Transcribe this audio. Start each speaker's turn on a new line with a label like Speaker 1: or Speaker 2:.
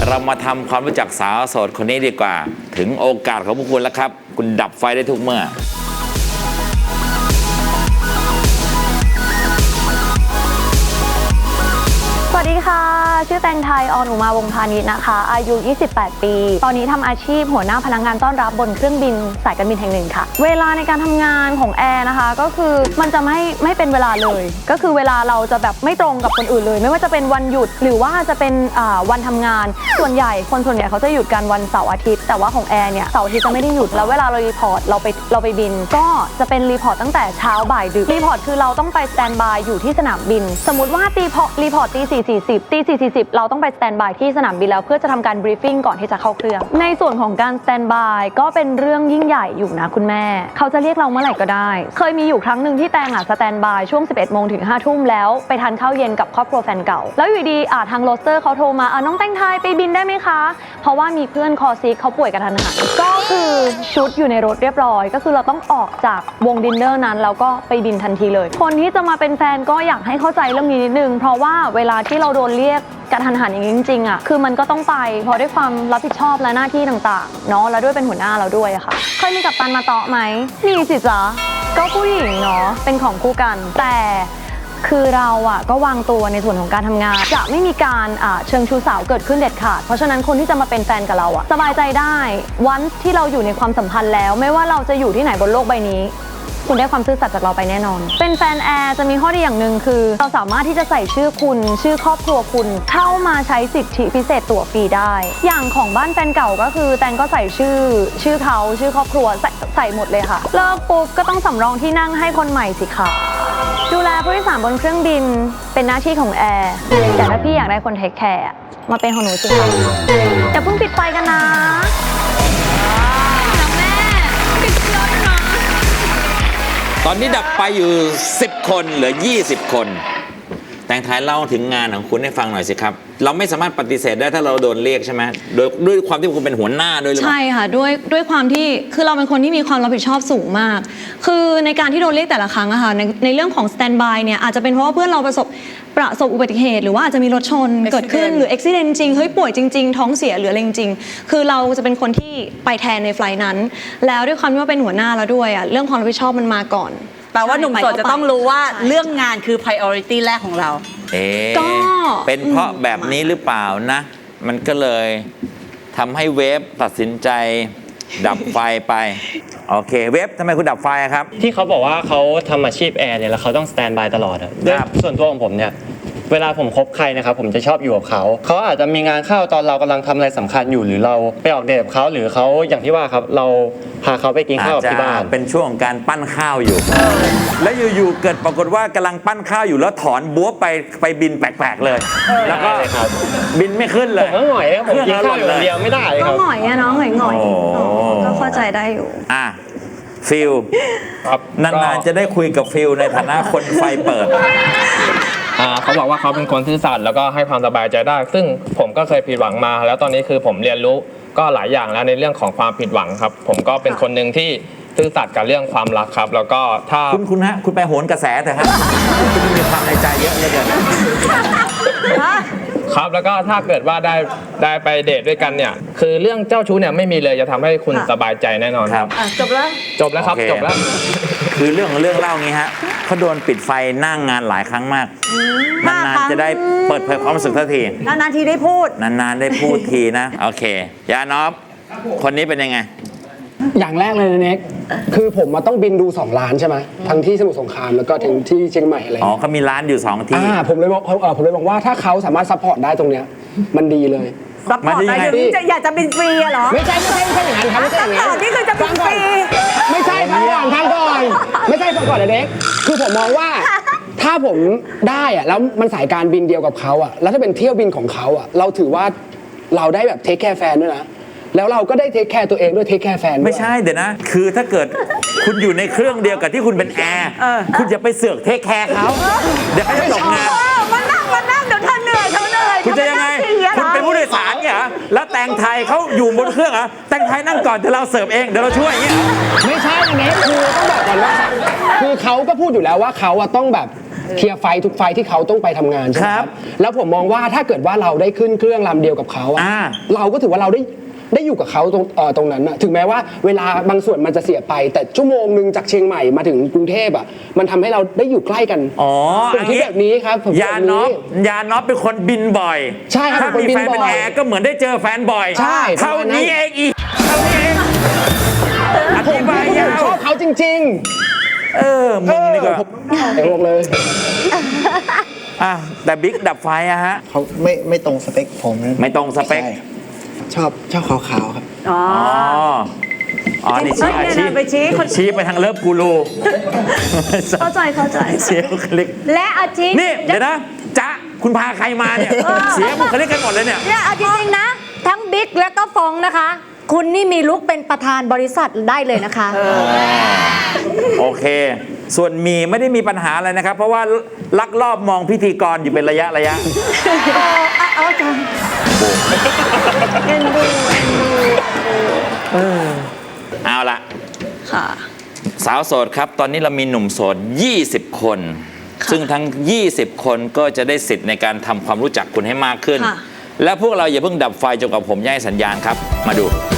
Speaker 1: เรามาทำความรู้จักสาวโสดคนนี้ดีกว่าถึงโอกาสของพวกคุณแล้วครับคุณดับไฟได้ทุกเมื่อ
Speaker 2: สวัสดีค่ะชื่อแตงไทยออนอุมาวงศ์พาณิชย์นะคะอายุ 28 ปี ตอนนี้ทำอาชีพหัวหน้าพนักงานต้อนรับบนเครื่องบินสายการบินแห่งหนึ่งค่ะเวลาในการทำงานของแอร์นะคะก็คือมันจะไม่เป็นเวลาเลยก็คือเวลาเราจะแบบไม่ตรงกับคนอื่นเลยไม่ว่าจะเป็นวันหยุดหรือว่าจะเป็นวันทำงานส่วนใหญ่เขาจะหยุดกันวันเสาร์อาทิตย์แต่ว่าของแอร์เนี่ยเสาร์อาทิตย์จะไม่ได้หยุดแล้วเวลาเรารีพอร์ตเราไปบินก็จะเป็นรีพอร์ตตั้งแต่เช้าบ่ายดึกรีพอร์ตคือเราต้องไปสแตนบายอยู่ที่สนามบินสมมติว่ารีพอร์ตตี 4:40เราต้องไปสแตนบายที่สนามบินแล้วเพื่อจะทำการบรีฟฟิ้งก่อนที่จะเข้าเครื่องในส่วนของการสแตนบายก็เป็นเรื่องยิ่งใหญ่อยู่นะคุณแม่เขาจะเรียกเราเมื่อไหร่ก็ได้เคยมีอยู่ครั้งหนึ่งที่แตงสแตนบายช่วง 11 โมงถึง 5 ทุ่มแล้วไปทานข้าวเย็นกับครอบครัวแฟนเก่าแล้วอยู่ดีทางโรสเตอร์เขาโทรมาน้องแตงไทยไปบินได้ไหมคะเพราะว่ามีเพื่อนคอซิกเขาป่วยกระทันหันก็คือชุดอยู่ในรถเรียบร้อยก็คือเราต้องออกจากวงดินเนอร์นั้นแล้วก็ไปบินทันทีเลยคนที่จะมาเป็นแฟนก็อยากให้เข้าใจเรื่องนี้นิดนึงเพราะว่าเวลาที่เราโดนเรียกกระทันหันอย่างนี้จริงๆคือมันก็ต้องไปเพราะด้วยความรับผิดชอบและหน้าที่ต่างๆเนาะแล้วด้วยเป็นหัวหน้าเราด้วยค่ะเคยมีกัปตันมาเตาะไหมมีสิจ๊ะก็ผู้หญิงเนาะเป็นของคู่กันแต่คือเราก็วางตัวในส่วนของการทำงานจะไม่มีการเชิงชู้สาวเกิดขึ้นเด็ดขาดเพราะฉะนั้นคนที่จะมาเป็นแฟนกับเราสบายใจได้วันที่เราอยู่ในความสัมพันธ์แล้วไม่ว่าเราจะอยู่ที่ไหนบนโลกใบนี้คุณได้ความซื่อสัตย์จากเราไปแน่นอนเป็นแฟนแอร์จะมีข้อดีอย่างหนึ่งคือเราสามารถที่จะใส่ชื่อคุณชื่อครอบครัวคุณเข้ามาใช้สิทธิพิเศษตั๋วฟรีได้อย่างของบ้านแฟนเก่าก็คือแตงก็ใส่ชื่อเขาชื่อครอบครัวใส่หมดเลยค่ะเลิกปุ๊บก็ต้องสำรองที่นั่งให้คนใหม่สิคะดูแลผู้โดยสารบนเครื่องบินเป็นหน้าที่ของแอร์แต่ถ้าพี่อยากได้คนเทคแคร์มาเป็นของหนูสิคะอย่าเพิ่งปิดไฟกันนะ
Speaker 1: ตอนนี้ดับไปอยู่10 คนเหลือ20 คนแตงไทยเล่าถึงงานของคุณให้ฟังหน่อยสิครับเราไม่สามารถปฏิเสธได้ถ้าเราโดนเรียกใช่ไหมด้วยความที่คุณเป็นหัวหน้าด้วยหรือเปล่า
Speaker 3: ใช่ค่ะด้วยความที่คือเราเป็นคนที่มีความรับผิดชอบสูงมากคือในการที่โดนเรียกแต่ละครั้งอะค่ะในเรื่องของสแตนบายเนี่ยอาจจะเป็นเพราะว่าเพื่อนเราประสบอุบัติเหตุหรือว่าอาจจะมีรถชนเกิดขึ้นหรืออุบัติเหตุจริงเฮ้ยป่วยจริงๆท้องเสียหรืออะไรจริงๆคือเราจะเป็นคนที่ไปแทนในไฟล์นั้นแล้วด้วยความที่ว่าเป็นหัวหน้าเราด้วยอะเรื่องความรับผิดชอบมันมาก่อน
Speaker 4: แปลว่าหนุ่มโสดจะต้องรู้ว่าเรื่องงานคือ priority แรกของเรา
Speaker 3: ก็
Speaker 1: เป็นเพราะแบบนี้หรือเปล่านะมันก็เลยทำให้เวฟตัดสินใจดับไฟไปโอเคเวฟทำไมคุณดับไฟครับ
Speaker 5: ที่เขาบอกว่าเขาทำอาชีพแอร์เนี่ยแล้วเขาต้องสแตนบายตลอดด้วยส่วนตัวของผมเนี่ยเวลาผมคบใครนะครับผมจะชอบอยู่กับเขาอาจจะมีงานเข้าตอนเรากำลังทำอะไรสำคัญอยู่หรือเราไปออกเดทกับเขาหรือเขาอย่างที่ว่าครับเราพาเขาไปกินข้าวที่บ้าน
Speaker 1: เป็นช่วงของการปั้นข้าวอยู่แล้วอยู่ๆเกิดปรากฏว่ากำลังปั้นข้าวอยู่แล้วถอนบั๊วไปบินแปลกๆเลยแล้วก็บินไม่ขึ้นเลย
Speaker 5: ผมก็หงอยครับผมกินข้าวอยู่เดียวไม่ได้ครับ
Speaker 2: ก็หงอยน้องหงอยก็เข้าใจได้อยู่
Speaker 1: ฟิลนานๆจะได้คุยกับฟิลในฐานะคนไฟเปิด
Speaker 5: เขาบอกว่าเขาเป็นคนซื่อสัตย์แล้วก็ให้ความสบายใจได้ซึ่งผมก็เคยผิดหวังมาแล้วตอนนี้คือผมเรียนรู้ก็หลายอย่างแล้วในเรื่องของความผิดหวังครับผมก็เป็นคนหนึ่งที่ซื่อสัตย์กับเรื่องความรักครับแล้วก็ถ้า
Speaker 1: คุณไปโหนกระแสเถอะครับคุณมีความในใจเยอะเลยเกิน
Speaker 5: ครับแล้วก็ถ้าเกิดว่าได้ไปเดทด้วยกันเนี่ยคือเรื่องเจ้าชู้เนี่ยไม่มีเลยจะทำให้คุณสบายใจแน่นอนครับ
Speaker 4: จบแล้ว
Speaker 5: ครับจบแล้ว
Speaker 1: คือเรื่องเล่างี้ฮะเขาโดนปิดไฟนั่งงานหลายครั้งมากนานๆจะได้เปิดเผยความรู้สึกทันที
Speaker 4: นานๆทีได้พูด
Speaker 1: นานๆได้พูดทีนะโอเคยานอฟคนนี้เป็นยังไง
Speaker 6: อย่างแรกเลยนะเน็กคือผมมาต้องบินดู2 ร้านใช่ไหมทั้งที่สมุทรสงครามแล้วก็ถึงที่เชียงใหม่อะไร
Speaker 1: เขามีร้านอยู่2 ที่
Speaker 6: ผมเลยบอกว่าถ้าเขาสามารถซัพพอร์ตได้ตรงเนี้ยมันดีเลย
Speaker 4: ซัพพอร์ตได้ถึงอยากจะบินฟรีเหรอ
Speaker 6: ไม่ใช่อย่างนั้นครับไม่ใช่อย่างนั้น
Speaker 4: นี่คือจะบินฟรี
Speaker 6: ไม่ใช่ฟังก่อนไม่ใช่ฟังก่อนนะเน็กคือผมมองว่าถ้าผมได้แล้วมันสายการบินเดียวกับเขาแล้วถ้าเป็นเที่ยวบินของเขาเราถือว่าเราได้แบบเทคแคร์แฟนด้วยนะแล้วเราก็ได้เทคแคร์ตัวเองด้วยเทคแคร์แฟน
Speaker 1: ไม่ใช่เดี๋ยวนะคือถ้าเกิดคุณอยู่ในเครื่องเดียวกับที่คุณเป็นแอร์คุณจะไปเสือกเทคแคร์เขาเดี๋ยวเขาจะตกงาน
Speaker 4: มานั่งเดี๋ยวท่านเหนื่อย
Speaker 1: คุณจะยังไงคุณเป็นผู้โดยสารเนี่ยแล้วแตงไทยเขาอยู่บนเครื่องแตงไทยนั่งก่อนเดี๋ยวเราเสิร์ฟเองเดี๋ยวเราช่วยอย่างเงี้ย
Speaker 6: ไม่ใช่เน็กคือต้องบอกก่อนว่าคือเขาก็พูดอยู่แล้วว่าเขาต้องแบบเคลียร์ไฟทุกไฟที่เขาต้องไปทำงานใช่ไหมครับแล้วผมมองว่าถ้าเกิดว่าเราได้ขึ้นเครื่องลำเดียวกับเขาอะเราก็ถือว่าเราได้อยู่กับเขาตรงนั้นนะถึงแม้ว่าเวลาบางส่วนมันจะเสียไป แต่ชั่วโมงหนึ่งจากเชียงใหม่มาถึงกรุงเทพอ่ะมันทำให้เราได้อยู่ใกล้กัน
Speaker 1: อ๋อ
Speaker 6: ผมคิดแบบนี้ครับผม
Speaker 1: ยาน็อปเป็นคนบินบ่อย
Speaker 6: ใช่ครับ
Speaker 1: ถ้ามีแฟนเป็นแอร์ก็เหมือนได้เจอแฟนบ่อย
Speaker 6: ใช่
Speaker 1: เท่านี้เองอีกเท่านี้เองอธิบายยาว
Speaker 6: ชอบเขาจริง
Speaker 1: มึงนี่ก็
Speaker 6: ไอ้พวกเลย
Speaker 1: แต่บิ๊กดับไฟอะฮะ
Speaker 7: เขาไม่ตรงสเปคผมนะ
Speaker 1: ไม่ตรงสเปค
Speaker 7: ใช่ชอบขาวๆครับ
Speaker 1: อ๋อนี่ชี้ไปทางเลิฟกูรู
Speaker 3: เข้าใจ
Speaker 1: เสียบุคลิก
Speaker 8: และเอาจริง
Speaker 1: นี่เดี๋ยวนะจ๊ะคุณพาใครมาเนี่ย เสียบุคลิกกันหมดเลยเนี่ย
Speaker 8: เนี่ยเอาจริงๆนะ ทั้งบิ๊กและก็ฟองนะคะ คุณนี่มีลุกเป็นประธานบริษัทได้เลยนะคะ
Speaker 1: โอเค ส่วนมีไม่ได้มีปัญหาอะไรนะครับ เพราะว่าลักลอบมองพิธีกรอยู่เป็นระยะ
Speaker 8: เอาจ้ะ
Speaker 1: เอาละ
Speaker 3: ค่ะ
Speaker 1: สาวโสดครับ ตอนนี้เรามีหนุ่มโสด 20 คน ซึ่งทั้ง 20 คนก็จะได้สิทธิ์ในการทำความรู้จักคุณให้มากขึ้น
Speaker 3: ค่ะ
Speaker 1: และพวกเราอย่าเพิ่งดับไฟจนกว่าผมจะให้สัญญาณครับ มาดู